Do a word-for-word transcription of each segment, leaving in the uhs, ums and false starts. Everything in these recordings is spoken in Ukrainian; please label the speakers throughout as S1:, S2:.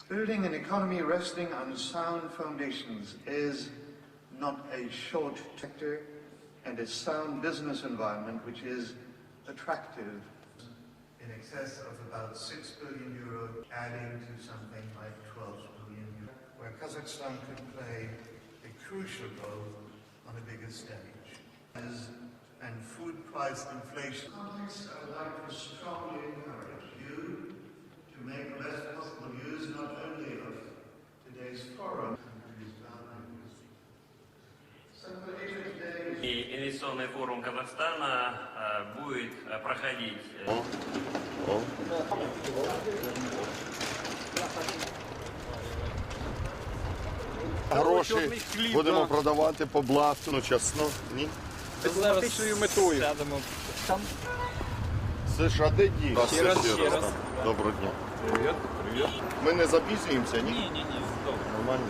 S1: Building an economy resting on sound foundations is not a short sector and a sound business environment which is attractive. In excess of about six billion euro, adding to something like twelve billion euro, where Kazakhstan could play a crucial role on a bigger stage. As and food price inflation. In context, I would like to strongly encourage you to make the best possible use not only of today's forum,
S2: И инвестиционный форум Казахстана э, будет э, проходить. Э...
S3: О, о. Гроші будемо продавати по блату, ну чесно, ні?
S4: З фактичною метою.
S3: Це ж один дій.
S4: Ще раз, ще раз.
S3: Доброго дня.
S4: Привіт, привіт.
S3: Ми не запізнюємося, ні?
S4: Ні, ні, ні, добре.
S3: Нормально.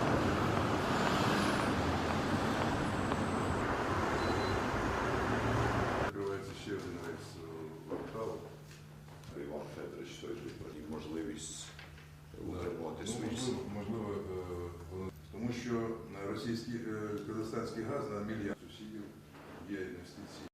S5: Відкривається ще один рейс кварталу. Іван Федорович той же про можливість утримувати свої сили. Можливо, воно тому що російський казахстанський газ на мільярд сусідів є інвестиції.